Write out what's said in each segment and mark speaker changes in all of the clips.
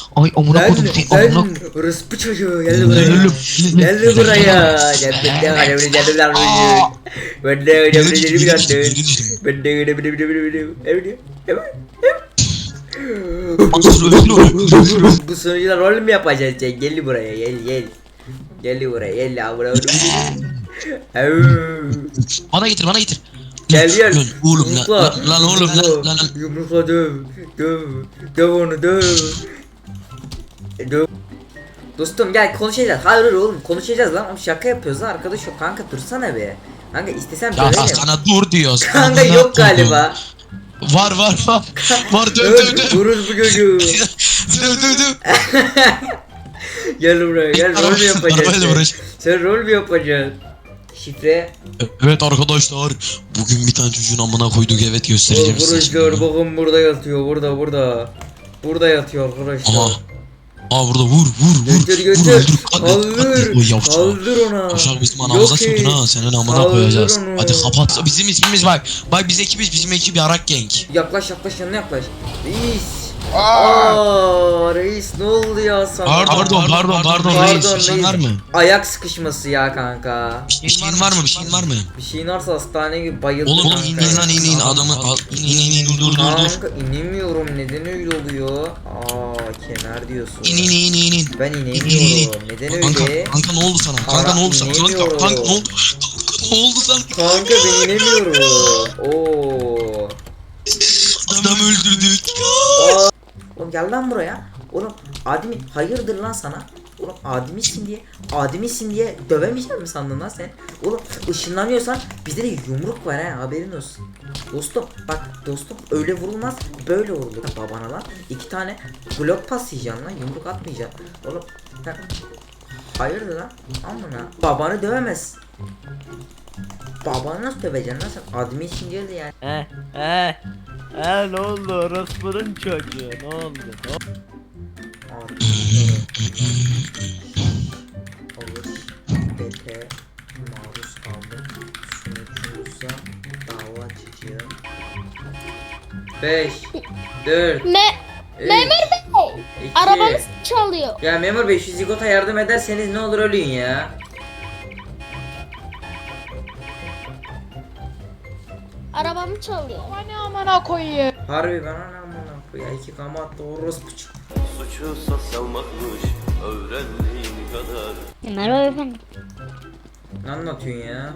Speaker 1: Ay amına koydum seni amına.
Speaker 2: Orospu çocuğu geldi buraya. Geldi buraya. Ben de bu sonuçta rol mü yapacağız sen? Gel buraya gel. Gel buraya gel abla.
Speaker 1: Bana getir bana getir.
Speaker 2: Gel.
Speaker 1: Lan oğlum lan oğlum lan.
Speaker 2: Yumrukla döv. Döv onu döv. Dostum gel konuşacağız. Hayır oğlum konuşacağız lan. Oğlum şaka yapıyoruz lan arkadaş yok. Kanka dursana be. Kanka istesem
Speaker 1: Ya
Speaker 2: döverim.
Speaker 1: sana dur diyoruz.
Speaker 2: Kanka yok galiba.
Speaker 1: Var. Var döv.
Speaker 2: Duruz bu çocuğu.
Speaker 1: Döv.
Speaker 2: Gel buraya gel rol mü
Speaker 1: Arabayla
Speaker 2: yapacaksın?
Speaker 1: uğraş.
Speaker 2: Sen rol mü yapacaksın? Şifre.
Speaker 1: Evet arkadaşlar. Bugün bir tane çocuğun amına koyduk evet göstereceğim size şimdi.
Speaker 2: Arkadaşlar bakın burada yatıyor burada. Burada yatıyor arkadaşlar.
Speaker 1: Aha. Aa burada vur.
Speaker 2: Götür. Kaldır ona.
Speaker 1: Koşak bizim anamıza
Speaker 2: Yok
Speaker 1: sokun
Speaker 2: et.
Speaker 1: ha senin amına
Speaker 2: Kaldır
Speaker 1: koyacağız.
Speaker 2: onu.
Speaker 1: Hadi kapat. Bizim ismimiz bak. Bak biz ekibiz bizim ekip yarak genk.
Speaker 2: Yaklaş yanına yaklaş. Reis. Reis ne oldu ya sana?
Speaker 1: Pardon reis bir şeyin var mı?
Speaker 2: Ayak sıkışması ya kanka.
Speaker 1: Bir şeyin var mı?
Speaker 2: Bir şeyin varsa hastane gibi bayıldım.
Speaker 1: Oğlum
Speaker 2: kanka.
Speaker 1: in adamı in dur.
Speaker 2: Kanka inemiyorum neden öyle oluyor? Kenar diyorsun.
Speaker 1: İn.
Speaker 2: Ben inemiyorum. Neden öyle?
Speaker 1: Kanka ne oldu sana? Kanka ne oldu sana? Ne oldu sana?
Speaker 2: Kanka ben inemiyorum. Oo.
Speaker 1: Adam öldürdük.
Speaker 2: Oğlum gel lan buraya. Oğlum ademi hayırdır lan sana? Oğlum ademisin diye dövemeyecek mi sandın lan sen? Oğlum ışınlanıyorsan bizde de yumruk var ha haberin olsun. Dostum öyle vurulmaz böyle vurulur babana lan. 2 tane blok pas yiyeceksin lan yumruk atmayacaksın. Oğlum sen hayırdır lan amına babanı dövemez. Babanı nasıl döveceksin lan sen ademisin diye de yani.
Speaker 3: Ne oldu orospunun çocuğu ne oldu?
Speaker 2: Olur şiddete maruz kaldım sunucumuza dava açacağım. 5 4
Speaker 4: Memur Bey,
Speaker 2: 2
Speaker 4: arabamız çalıyor.
Speaker 2: Ya memur bey şu zigota yardım ederseniz ne olur ölün ya.
Speaker 4: Arabamı çalıyor.
Speaker 5: Hani amına koyayım.
Speaker 2: Harbi ben anam bunu ya 2 kamat orospu çıktı.
Speaker 6: Suçu sosyalmakmış öğrendiğin kadar.
Speaker 4: Merhaba efendim.
Speaker 2: Ne anlatıyorsun ya?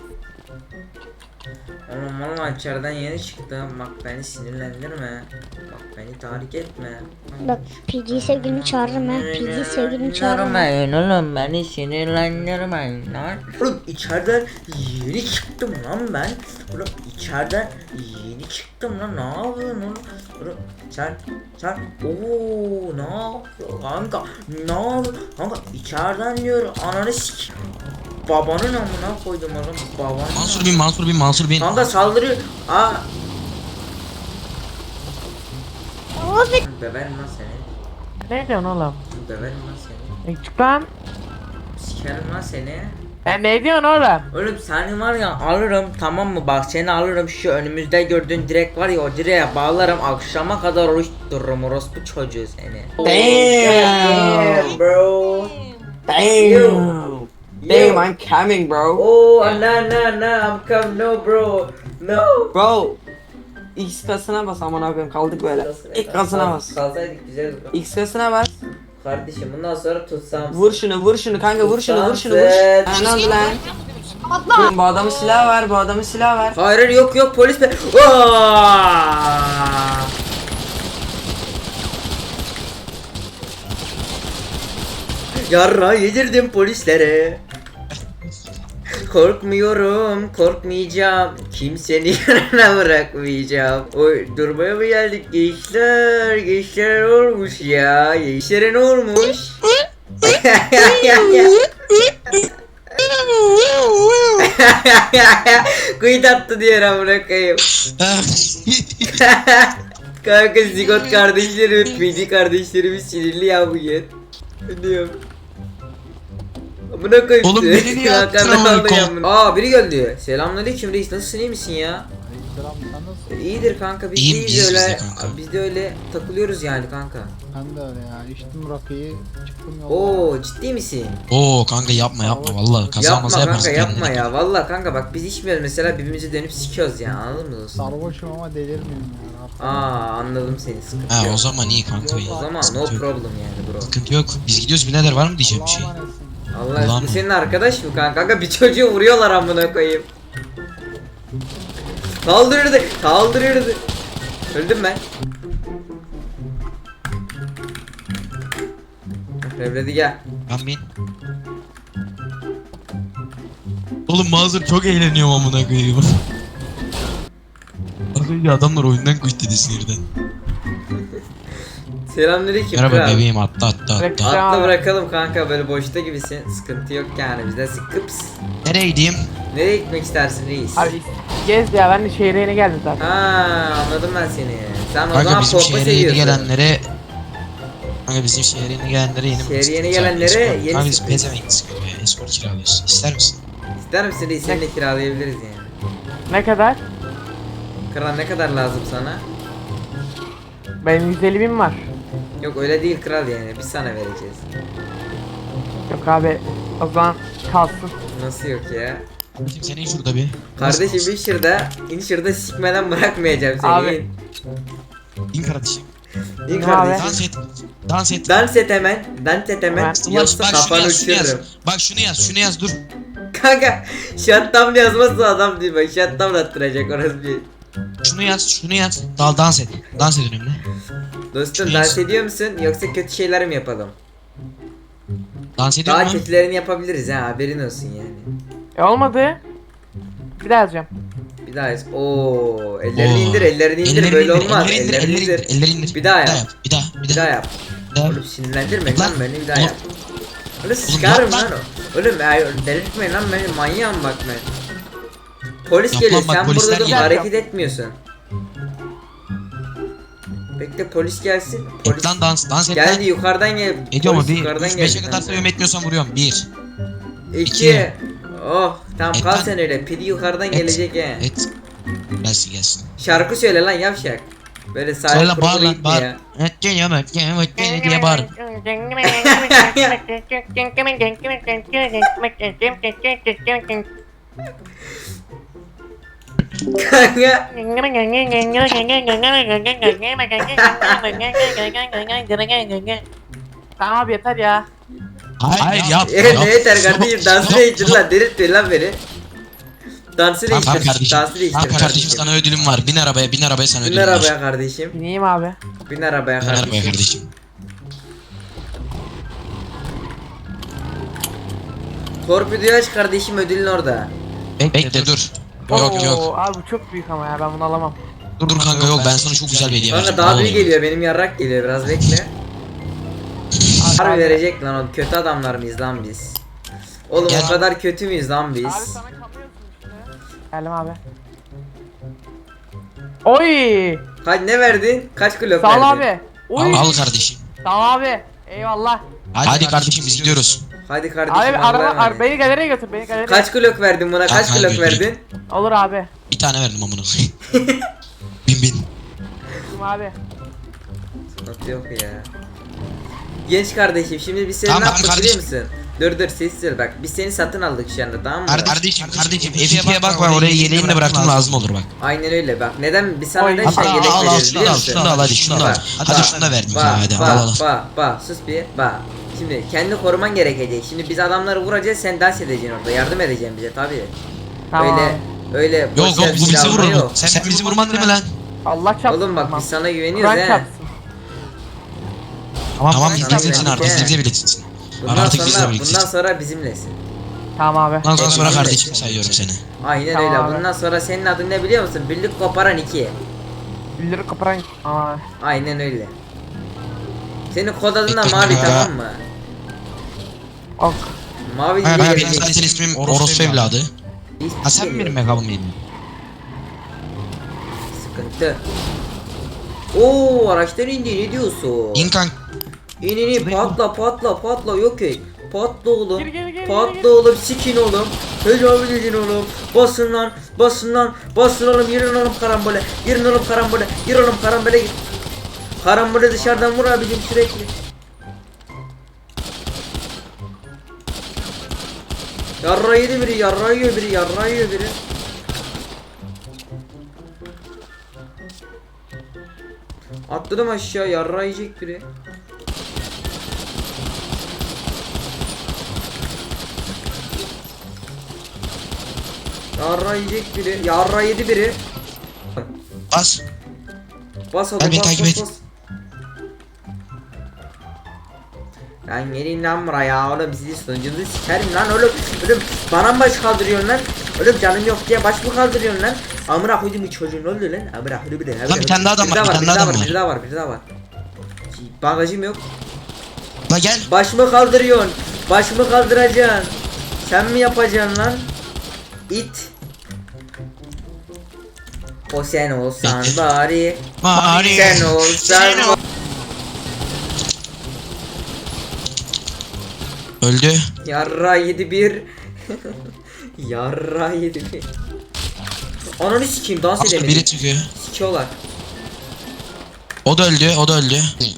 Speaker 2: Oğlum valla içeriden yeni çıktım. Bak beni sinirlendirme. Bak beni tahrik etme.
Speaker 4: Bak PG sevgilini çağırırım ha. PG sevgilini çağırırım.
Speaker 2: Oğlum beni sinirlendirmeyin lan. Oğlum içeriden yeni çıktım lan ben. Oğlum içeriden yeni çıktım lan. Ne yapıyorsun oğlum? Oğlum sen ooo ne yapıyorsun kanka? Ne yapıyorsun? Kanka içeriden diyor ananı sik. Babanın amına koydum oğlum babanın.
Speaker 1: Mansur bin.
Speaker 2: Kanka saldırıyor.
Speaker 4: Abi.
Speaker 2: Döverim lan seni.
Speaker 3: Ne diyorsun oğlum?
Speaker 2: Döverim lan seni.
Speaker 3: Çık lan.
Speaker 2: Sikerim lan seni.
Speaker 3: Ne diyorsun oğlum?
Speaker 2: Oğlum seni var ya alırım tamam mı bak seni alırım şu önümüzde gördüğün direk var ya o direğe bağlarım akşama kadar oruç dururum orospu çocuğu seni.
Speaker 3: Damn
Speaker 2: bro.
Speaker 3: Damn. Damn, I'm coming, bro.
Speaker 2: Oh no I'm come no bro. No.
Speaker 3: Bro. X kasına bas aman abim kaldık böyle. İlk kasına bas.
Speaker 2: Kalsaydık güzel.
Speaker 3: X kasına bas.
Speaker 2: Kardeşim bundan sonra tutsam.
Speaker 3: Vur şunu kanka vur şunu. Ha, ne oldu lan?
Speaker 4: Atla.
Speaker 3: Bu adamın silahı var.
Speaker 2: Hayır yok polis be. Yarra yedirdim polislere. Korkmayacağım. Kimsenin yanına bırakmayacağım. Oy durmaya mı geldik gençler? Gençler olmuş ya. Gençlere ne olmuş? Kuyut attı diyor amına koyayım. Kanka zigot kardeşlerim, PD kardeşlerimiz sinirli ya bugün. Diyorum. Amına koyayım.
Speaker 1: Oğlum beni niye attın
Speaker 2: Biri geldi. Selamünaleyküm reis nasılsın iyi misin ya?
Speaker 5: Selam sen nasılsın?
Speaker 2: İyidir kanka biz
Speaker 1: İyiyim,
Speaker 2: de
Speaker 1: biz
Speaker 2: öyle
Speaker 1: de kanka.
Speaker 2: biz de öyle takılıyoruz yani kanka.
Speaker 5: Ben de öyle ya. İçtim rakıyı, çıktım yola.
Speaker 2: Oo ciddi misin?
Speaker 1: Oo kanka yapma vallahi kaza
Speaker 2: Yapma
Speaker 1: maza
Speaker 2: kanka
Speaker 1: yaparsın
Speaker 2: yapma
Speaker 1: kendine.
Speaker 2: ya. Vallahi kanka bak biz içmiyoruz mesela birbirimizi dönüp sikiyoruz ya anladın mı dostum?
Speaker 5: Sarhoşum ama delirmiyorum ya.
Speaker 2: Anladım seni sıkıntı
Speaker 1: Ha
Speaker 2: yok.
Speaker 1: o zaman iyi kanka iyi.
Speaker 2: O zaman no
Speaker 1: Sıkıntı yok.
Speaker 2: problem yani bro.
Speaker 1: Sıkıntı yok. Biz gidiyoruz birader, var mı diyeceğim bir şey.
Speaker 5: Allah'a emanetsin.
Speaker 2: Allah
Speaker 1: Ulan
Speaker 2: bu
Speaker 1: mı?
Speaker 2: senin arkadaş mı kanka? Kanka bir çocuğu vuruyorlar amına koyayım. Kaldırırdı. Öldüm ben. Revledi gel.
Speaker 1: Ben bin. Oğlum mazur çok eğleniyorum amına koyayım. Az önce adamlar oyundan kuş dedi sinirden.
Speaker 2: Selamünaleyküm
Speaker 1: Merhaba
Speaker 2: kral.
Speaker 1: bebeğim, atla.
Speaker 2: Atla bırakalım kanka böyle boşta gibisin. Sıkıntı yok yani bizde sıkıps.
Speaker 1: Nereye gideyim?
Speaker 2: Nereye gitmek istersin reis?
Speaker 3: Abi gez ya, ben de şehre yeni geldim zaten.
Speaker 2: Anladım ben seni. Sen o
Speaker 1: Kanka
Speaker 2: zaman
Speaker 1: bizim
Speaker 2: pompa
Speaker 1: şehre yeni
Speaker 2: seviyorsun.
Speaker 1: gelenlere... Kanka bizim şehre yeni gelenlere yeni...
Speaker 2: Şehre yeni gelenlere yeni
Speaker 1: Kanka biz
Speaker 2: sürpriz.
Speaker 1: pezevenk sıkıyor ya, escort kiralıyoruz. İster misin?
Speaker 2: İster misin reis? Seninle kiralayabiliriz yani.
Speaker 3: Ne kadar?
Speaker 2: Kral ne kadar lazım sana?
Speaker 3: Benim 150.000 var.
Speaker 2: Yok öyle değil kral yani biz sana vereceğiz.
Speaker 3: Yok abi, o zaman kalsın.
Speaker 2: Nasıl yok ya?
Speaker 1: Şimdi senin şurada bir...
Speaker 2: Kardeşim in şurada sikmeden bırakmayacağım seni.
Speaker 3: Abi.
Speaker 1: İn kardeşim.
Speaker 2: İn
Speaker 3: Abi.
Speaker 2: kardeşim.
Speaker 1: Dans et.
Speaker 2: Dans et hemen. Yoksa
Speaker 1: Bak
Speaker 2: kafanı
Speaker 1: şunu yaz.
Speaker 2: uçururum.
Speaker 1: Bak şunu yaz dur.
Speaker 2: Kanka shutdown yazmazsa adam değil bak. Shutdown attıracak orası bir.
Speaker 1: Şunu yaz. Dans et. Dans et önümde.
Speaker 2: Dostum
Speaker 1: Şunu
Speaker 2: dans
Speaker 1: yaz.
Speaker 2: ediyor musun yoksa kötü şeyler mi yapalım?
Speaker 1: Dans ediyor
Speaker 2: Daha
Speaker 1: mu?
Speaker 2: kötülerini yapabiliriz ha haberin olsun yani.
Speaker 3: Olmadı. Bir daha yazacağım.
Speaker 2: Bir daha yaz. Oo, ellerini indir böyle olmaz.
Speaker 1: Elleri indir.
Speaker 2: Bir daha yap.
Speaker 1: Bir daha yap.
Speaker 2: Oğlum sinirlendirme lan beni bir daha
Speaker 1: Oğlum.
Speaker 2: yap. Oğlum sıkarım
Speaker 1: yap
Speaker 2: lan o. Oğlum delirtmeyin lan beni manyağım bak ben. Polis
Speaker 1: Yap
Speaker 2: geliyor
Speaker 1: lan bak,
Speaker 2: sen
Speaker 1: polisler
Speaker 2: burada dur
Speaker 1: geliyor.
Speaker 2: hareket etmiyorsun. Bekle polis gelsin. Polis
Speaker 1: Lan dans et
Speaker 2: geldi
Speaker 1: lan.
Speaker 2: yukarıdan gel.
Speaker 1: Ediyor mu?
Speaker 2: Polis
Speaker 1: 1,
Speaker 2: yukarıdan
Speaker 1: 3,
Speaker 2: geldi
Speaker 1: 5'e kadar
Speaker 2: kanka.
Speaker 1: sayıyorum, etmiyorsan vuruyorum. 1.
Speaker 2: 2. Oh tamam
Speaker 1: Et
Speaker 2: kal
Speaker 1: lan.
Speaker 2: sen öyle. Pidi yukarıdan gelecek he.
Speaker 1: Et. Gelsin.
Speaker 2: Şarkı söyle lan yavşak. Böyle
Speaker 1: Söyle
Speaker 2: sahip
Speaker 1: lan, bağır
Speaker 2: kurulu
Speaker 1: lan
Speaker 2: gitme
Speaker 1: bağır.
Speaker 2: ya.
Speaker 1: Diye bağır.
Speaker 2: Kanka.
Speaker 3: Tamam abi, yeter ya.
Speaker 1: Hayır yap.
Speaker 2: Evet ne yeter kardeşim dansı değiştir lan delirtme lan beni. Dansı
Speaker 1: Tamam
Speaker 2: değiştir.
Speaker 1: kardeşim.
Speaker 2: Dansı değiştir.
Speaker 1: Tamam kardeşim, sana ödülüm var. Bin arabaya sana
Speaker 2: Bin
Speaker 1: ödülüm var.
Speaker 2: arabaya kardeşim.
Speaker 3: Bineyim abi.
Speaker 2: Bin arabaya
Speaker 1: Bin arabaya
Speaker 2: kardeşim.
Speaker 1: kardeşim.
Speaker 2: Torpidoyu aç kardeşim ödülün orada.
Speaker 1: Bekle dur. Yok.
Speaker 3: Oo, abi bu çok büyük ama ya, ben bunu alamam.
Speaker 1: Dur kanka yok, ben sana çok güzel bir hediye
Speaker 2: Kanka
Speaker 1: vereceğim.
Speaker 2: daha
Speaker 1: Vallahi.
Speaker 2: büyük geliyor benim yarrak geliyor biraz bekle. Harbi verecek lan o kötü adamlar mıyız lan biz? Oğlum
Speaker 1: Gel.
Speaker 2: o kadar kötü müyüz lan
Speaker 3: Abi
Speaker 2: biz?
Speaker 3: sana kalıyorsun işte. Geldim abi. Oy!
Speaker 2: Kaç ne verdin? Kaç kilo
Speaker 3: Sağ ol
Speaker 2: verdin?
Speaker 3: abi. Oy!
Speaker 1: Al kardeşim.
Speaker 3: Sağ ol abi. Eyvallah.
Speaker 1: Hadi kardeşim biz gidiyoruz.
Speaker 2: Hadi kardeşim.
Speaker 3: Abi
Speaker 2: Allah'a emanet.
Speaker 3: beni galeriye götür, beni galeriye.
Speaker 2: Kaç kilo verdin buna? Kaç
Speaker 1: Kanka,
Speaker 2: kilo
Speaker 1: götür.
Speaker 2: verdin?
Speaker 3: Olur abi.
Speaker 1: Bir tane verdim amına koyayım. Bin.
Speaker 3: Tamam abi.
Speaker 2: Sıkıntı yok ya. Genç kardeşim şimdi biz seni
Speaker 1: Tamam,
Speaker 2: ne yaptık
Speaker 1: kardeşim.
Speaker 2: biliyor musun? Dur sessiz ol bak biz seni satın aldık şu anda tamam mı?
Speaker 1: Kardeşim F2'ye bak, ben oraya yeleğini de bıraktım, lazım olur bak.
Speaker 2: Aynen öyle bak neden biz sana
Speaker 3: Oy.
Speaker 2: neden
Speaker 1: Hatta
Speaker 2: şey yelek
Speaker 1: al
Speaker 2: veriyoruz
Speaker 1: şunu
Speaker 2: biliyor
Speaker 1: al,
Speaker 2: musun?
Speaker 1: şunu al hadi şunu da al.
Speaker 2: Bak,
Speaker 1: Hadi şunu da verdim sana hadi al.
Speaker 2: Sus bir bak. Şimdi kendi koruman gerekecek. Şimdi biz adamları vuracağız sen dans edeceksin orada yardım edeceksin bize tabii.
Speaker 3: Tamam.
Speaker 2: Öyle boş
Speaker 1: Yok
Speaker 2: ver
Speaker 1: bu bizi
Speaker 2: silahla
Speaker 1: vurur.
Speaker 2: yok.
Speaker 1: Sen bizi vurman değil mi lan?
Speaker 3: Allah çarpsın.
Speaker 2: Oğlum bak
Speaker 3: tamam.
Speaker 2: biz sana güveniyoruz
Speaker 3: Kur'an
Speaker 2: he.
Speaker 3: çarpsın.
Speaker 1: Tamam
Speaker 2: Tamam,
Speaker 1: bizimlesin
Speaker 2: tamam.
Speaker 1: artık, bizle birliktesin.
Speaker 2: Bundan
Speaker 1: Artık bizle
Speaker 2: sonra
Speaker 1: birliktesin.
Speaker 2: bizimlesin.
Speaker 3: Tamam abi.
Speaker 1: Bundan sonra
Speaker 2: Bizimle.
Speaker 1: kardeşim sayıyorum seni.
Speaker 2: Aynen
Speaker 3: Tamam
Speaker 2: öyle.
Speaker 3: abi.
Speaker 2: Bundan sonra senin adın ne biliyor musun? Birlik koparan 2.
Speaker 3: Bildiri kaparan. Aa.
Speaker 2: Aynen öyle. Senin kod adın da
Speaker 1: Bekle,
Speaker 2: mavi
Speaker 1: bekle.
Speaker 2: tamam mı?
Speaker 3: Ok.
Speaker 2: Mavi
Speaker 1: Ha,
Speaker 2: diye
Speaker 1: benim
Speaker 2: gelecek.
Speaker 1: zaten ismim Orospu evladı. Ha sen mi benim megabım yedin?
Speaker 2: Sıkıntı. Oo araçtan indi ne diyorsun?
Speaker 1: İn kank.
Speaker 2: İn patla yok ey. Patla oğlum.
Speaker 3: Gir,
Speaker 2: Patla
Speaker 3: gir.
Speaker 2: oğlum sikin oğlum. Tecavüz edin oğlum. Basın lan oğlum girin oğlum karambole. Gir oğlum karambole gir. Karambole dışarıdan vur abicim sürekli. Yarra yedi biri, yarra yiyor biri, yarra yiyor biri. Atladım aşağı, yarra yiyecek biri. Yarra yiyecek biri, yarra yedi biri.
Speaker 1: Bas.
Speaker 2: Bas oğlum,
Speaker 1: Gel beni
Speaker 2: bas
Speaker 1: takip
Speaker 2: bas
Speaker 1: et.
Speaker 2: bas. Lan gelin lan buraya oğlum, sizi sonucunuzu sikerim lan oğlum. Oğlum bana mı baş kaldırıyorsun lan? Oğlum canım yok diye baş mı kaldırıyorsun lan? Amına koydum bu çocuğun, ne oluyor lan? Amına koydum bir de.
Speaker 1: Lan bir tane daha adam var, bir tane daha adam var.
Speaker 2: Bir daha var, bir daha var. Bagajım yok.
Speaker 1: La gel.
Speaker 2: Baş mı kaldırıyorsun? Baş mı kaldıracaksın? Sen mi yapacaksın lan? İt. O sen olsan
Speaker 1: Bekle.
Speaker 2: bari.
Speaker 1: Bari.
Speaker 2: Sen olsan
Speaker 1: Sen ol- Öldü.
Speaker 2: Yarra 7-1. Yarra 7-1. Ananı sikeyim, dans
Speaker 1: Başka biri
Speaker 2: edemedim.
Speaker 1: çıkıyor.
Speaker 2: Sikiyorlar.
Speaker 1: O da öldü, o da öldü.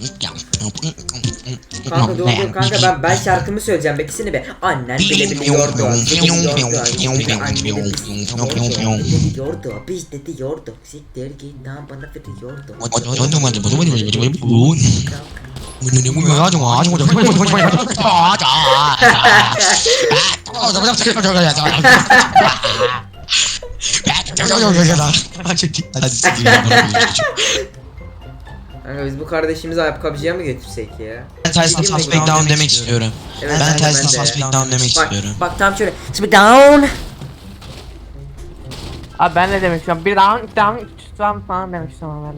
Speaker 2: Kanka dur dur kanka, ben şarkımı söyleyeceğim, bekisini be. Annen bile biliyordu. Biliyordu, biz de diyorduk. Siktir git lan, bana veriyordu. Kanka biz bu kardeşimizi ayakkabıcıya mı götürsek ya?
Speaker 1: Ben Tyson Suspect Down demek istiyorum.
Speaker 2: Evet,
Speaker 1: Ben
Speaker 2: de.
Speaker 1: Tyson Suspect Down demek
Speaker 2: Bak,
Speaker 1: istiyorum.
Speaker 2: bak tam şöyle. Şimdi down.
Speaker 3: Abi ben ne demek istiyorum? Bir down, iki down, üç down falan demek istiyorum ben de.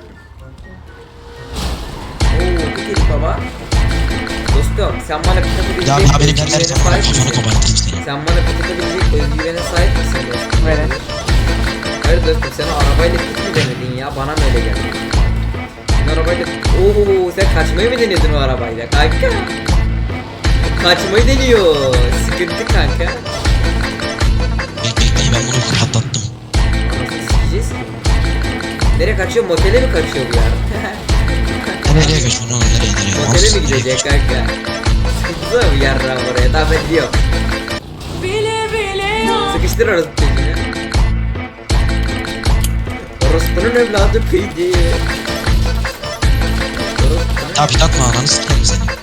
Speaker 2: Oo, bir kere baba. Dostum sen bana pıtatabilecek
Speaker 1: Ya benim
Speaker 2: özgüvene
Speaker 1: derken
Speaker 2: sahip
Speaker 1: kafanı
Speaker 2: misin?
Speaker 1: kopartayım seni.
Speaker 2: Sen bana pıtatabilecek özgüvene sahip misin dostum?
Speaker 3: Evet.
Speaker 2: Hayır dostum, sen arabayla pıt mı denedin ya? Bana mı öyle geldi? Sen arabayla... Ooo, sen kaçmayı mı denedin o arabayla kanka? Kaçmayı deniyor. Sıkıntı kanka.
Speaker 1: Bekle ben bunu patlattım.
Speaker 2: Nasıl sikeceğiz ki? Nereye kaçıyor? Motele mi kaçıyor bu ya?
Speaker 1: Nereye kaçıyorsun oğlum, nereye?
Speaker 2: Motele
Speaker 1: Olsun,
Speaker 2: mi
Speaker 1: nereye
Speaker 2: gidecek
Speaker 1: kaçıyorsun?
Speaker 2: kanka? Sıkıntı mı yarram oraya? Daha ben diyorum. Sıkıştır orası çocuğunu. Orospunun evladı peydi.
Speaker 1: Ya bir takma ananı sikerim seni.